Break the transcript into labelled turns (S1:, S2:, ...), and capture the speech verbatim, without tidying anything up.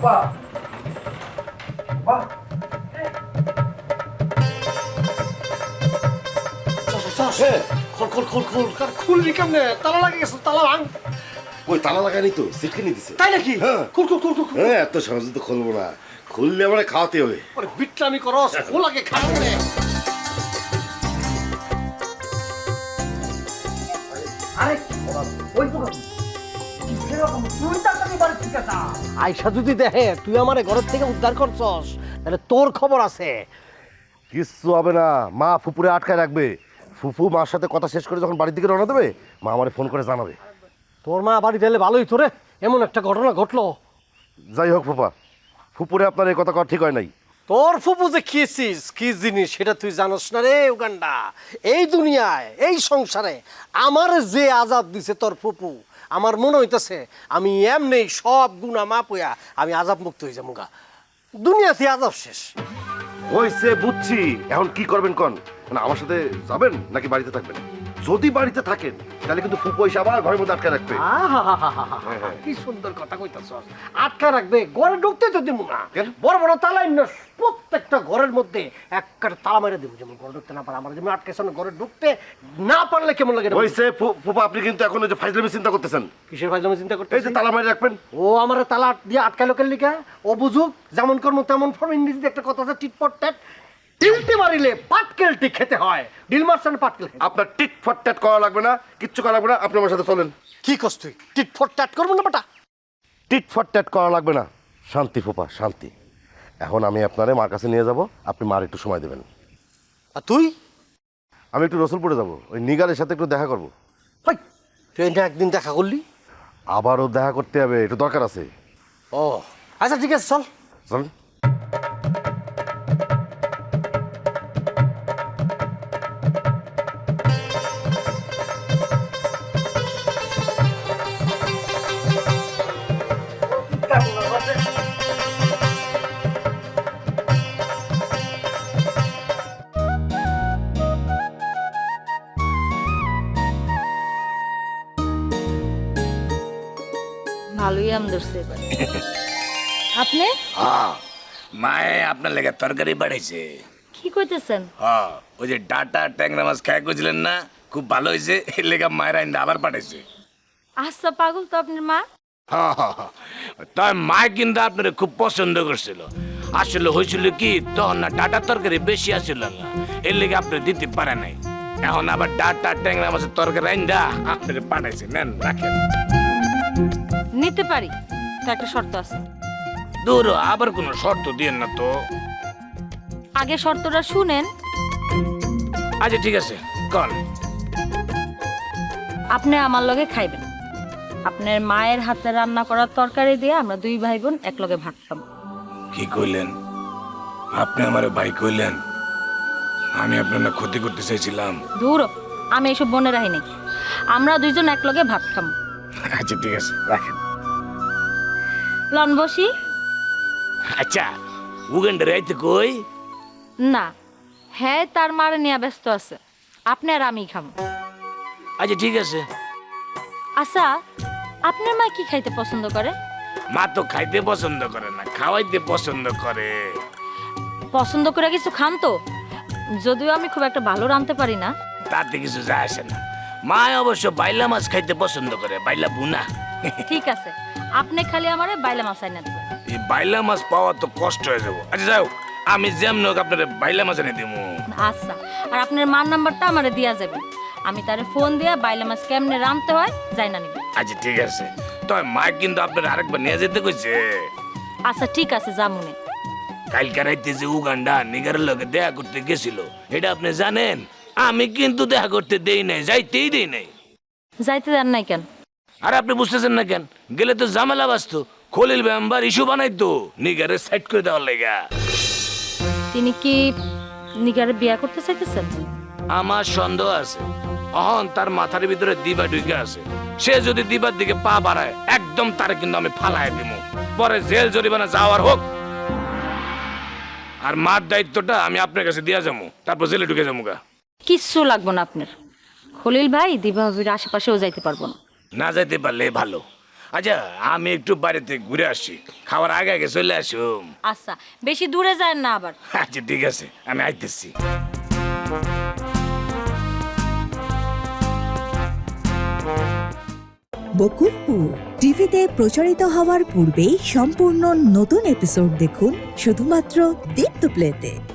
S1: খোল খোল খোল খোল খুলবি কেমনে? তালা লাগে গেছে, তালা ভাঙ।
S2: ওই তালা লাগানি তো সিটকে দিছে।
S1: তাই নাকি?
S2: হ্যাঁ
S1: খুল খুল খুল খুল খুল।
S2: হ্যাঁ এত সহজে তো খুলবো না, খুললে আমার খাওয়াতে হবে।
S1: আরে বিট্রামি করস, খোল আগে খারাপ রে। আরে ওই তো আইসা যদি দেখে তুই আমার ঘরের থেকে উদ্ধার করছস তাহলে তোর খবর আছে।
S2: কিচ্ছু হবে না, মা ফুপুরে আটকায় রাখবে। ফুফু মার সাথে কথা শেষ করে যখন বাড়ির দিকে রওনা দেবে, মা আমারে ফোন করে জানাবে।
S1: তোর মা বাড়ি দিলে ভালোই তোরে, এমন একটা ঘটনা ঘটলো।
S2: যাই হোক ফুপা, ফুপুরে আপনার এই কথা কওয়া ঠিক হয় নাই।
S1: তোর ফুপু যে খেয়েছিস কি জিনিস সেটা তুই জানোস না রে উগান্ডা। এই দুনিয়ায় এই সংসারে আমার যে আজাব দিছে তোর ফুপু, আমার মনে হইতেছে আমি এমনি সব গুণা মাপ হইয়া আমি আজাব মুক্ত হয়ে যাবো গা। দুনিয়াতে আজাব শেষ।
S2: হইছে বুঝছি, এখন কি করবেন কন? মানে আমার সাথে যাবেন নাকি বাড়িতে থাকবেন? যদি বাড়িতে থাকেন তাহলে কিন্তু ফুপু এসে আবার ঘরের মধ্যে আটকে রাখবে।
S1: আহাহাহাহা, কি সুন্দর কথা কইতাছ। আটকা রাখবে, ঘরে ঢুকতে তো দিব না।
S2: কেন?
S1: বড় বড় তালা না, প্রত্যেকটা ঘরের মধ্যে একটা তালা মেরে দেবো, যেমন ঘরে ঢুকতে না পারে। আমার যেমন আটকে ঘরে ঢুকতে না পারলে কেমন লাগে?
S2: হইছে ফুপা, আপনি কিন্তু এখন ওই যে ফাইজলামি চিন্তা করতেছেন।
S1: কিসের ফাইজলামি চিন্তা করতে?
S2: এই যে তালা মেরে রাখবেন।
S1: ও আমার তালা দিয়ে আটকায় লোকের লিখা, ও বুঝুক যেমন কর্ম তেমন ফর্ম। ইংরেজিতে একটা কথা আছে, টিটপট ট্যাট। ডিলতে মারিলে পাটকেলটি খেতে হয়, ডিল মারছেন পাটকেল।
S2: আপনার টিট ফট ট্যাট করা লাগবে না, কিচ্ছু করা লাগবে না, আপনি আমার সাথে চলেন।
S1: কি কস তুই? টিটফট ট্যাট করবো না বেটা?
S2: টিট ফট ট্যাট করা লাগবে না, শান্তি ফুপা শান্তি। এখন আমি আপনারে মার কাছে নিয়ে যাব, আপনি মার একটু সময় দেবেন।
S1: আর তুই?
S2: আমি একটু রসুলপুরে যাব, ওই নিগারের সাথে একটু দেখা করব।
S1: ভাই তুই না একদিন দেখা করলি?
S2: আবারও দেখা করতে হবে, একটু দরকার আছে।
S1: ও আচ্ছা ঠিক আছে, চল
S2: চলেন।
S3: ভালোই আম ধরছে এবার। আপনি
S4: হ্যাঁ, মায়ে আপনার লেগে তরকারি বাড়াইছে।
S3: কি কইতেছেন?
S4: হ্যাঁ, ওই যে ডাটা ট্যাংরা মাছ খাই কইছিলেন না, খুব ভালো হয়েছে। এর লেগে মায়ের আইন আবার পাঠাইছে।
S3: আচ্ছা পাগল তো আপনার মা।
S4: হ্যাঁ হ্যাঁ হ্যাঁ, তাই মায় কিন্তু আপনার খুব পছন্দ করছিল। আসলে হয়েছিল কি, তখন না ডাটার তরকারি বেশি আসছিল না, এর লেগে আপনি দিতে পারে নাই। এখন আবার ডাটা ট্যাংরা মাছের তরকারি আইন দা আপনার পাঠাইছে। নেন রাখেন।
S3: নিতে পারি, তো একটা শর্ত আছে।
S4: দূর আবার কোনো শর্ত দিয়েন না তো।
S3: আগে শর্তটা শুনেন।
S4: আচ্ছা ঠিক আছে, কল।
S3: আপনি আমার লগে খাইবেন। আপনার মায়ের হাতে রান্না করার তরকারি দিয়ে আমরা দুই ভাই বোন এক লগে ভাত খাবো।
S4: কি কইলেন? আপনি আমার ভাই কইলেন? আমি আপনার ক্ষতি করতে চাইছিলাম।
S3: দূর, আমি এসব বনে রাখি নাই। আমরা দুইজন এক লগে ভাত খাবো।
S4: আচ্ছা ঠিক আছে, রাখেন।
S3: লন বসি।
S4: আচ্ছা উগান্ডার আইতে কই?
S3: না, হ্যাঁ তার মারে নিয়ে ব্যস্ত আছে। আপনি আর আমি খাবো।
S4: আচ্ছা ঠিক আছে।
S3: আচ্ছা আপনার মা কি খাইতে পছন্দ করে?
S4: মা তো খাইতে পছন্দ করে না, খাওয়াইতে পছন্দ করে।
S3: পছন্দ করে কিছু খান তো? যদিও আমি খুব একটা ভালো রাঁধতে পারি না।
S4: তাতে কিছু যায় আসে না। মা অবশ্য বাইলা মাছ খাইতে পছন্দ করে, বাইলা বুনা।
S3: ঠিক আছে, আপনি খালি আমারে বাইলা মাছ আইনা দেবেন।
S4: এই বাইলা মাছ পাওয়া তো কষ্ট হয়ে যাবো। আচ্ছা যাও, আমি যেমন হোক আপনার বাইলা মাছ এনে দিব।
S3: আচ্ছা, আর আপনার মার নাম্বারটা আমারে দিয়া যাবে। আমি তারে ফোন দিয়া বাইলা মাছ কেমনে রাঁধতে হয় যাই না নিব।
S4: আচ্ছা ঠিক আছে, তবে মা কিন্তু আপনার আরেকবার নিয়ে যেতে কইছে।
S3: আচ্ছা ঠিক আছে, জামুনে।
S4: কালকে রাইতে যে উগান্ডা নিগারের লগে দেখা করতে গেছিল, এটা আপনি জানেন? আমি কিন্তু দেখা করতে দেই নাই, যাইতেই দেই নাই।
S3: যাইতে দেন নাই কেন?
S4: আর আপনি বুঝতেছেন না কেন? গেলে তো ঝামেলা বাঁচতো, খলিল মেম্বার ইস্যু বানাইতো নিগারে সাইড করে দেওয়ার লেগা।
S3: তিনি কি নিগারে বিয়া করতে চাইতেছেন?
S4: আমার সন্দেহ আছে, অহন তার মাথার ভিতরে দিবা ঢুকে আছে। সে যদি দিবার দিকে পা বাড়ায়, একদম তারে কিন্তু আমি ফালাই দিব। পরে জেল জরিমানা যাওয়ার হোক, আর মার দায়িত্বটা আমি আপনার কাছে দিয়া যাবো, তারপর জেলে ঢুকে যাবো গা।
S3: কিচ্ছু লাগবো না আপনার। খলিল ভাই দিবা ভাবির আশেপাশেও যাইতে পারবো না।
S4: না যাইতে পারলে ভালো। আচ্ছা আমি একটু বাড়িতে ঘুরে আসি, খাওয়ার আগে আগে চলে আসুম।
S3: আচ্ছা, বেশি দূরে যায় না আবার।
S4: আচ্ছা ঠিক আছে, আমি আইতেছি।
S5: বকুলপুর টিভিতে প্রচারিত হওয়ার পূর্বেই সম্পূর্ণ নতুন এপিসোড দেখুন শুধুমাত্র দীপ্ত প্লেতে।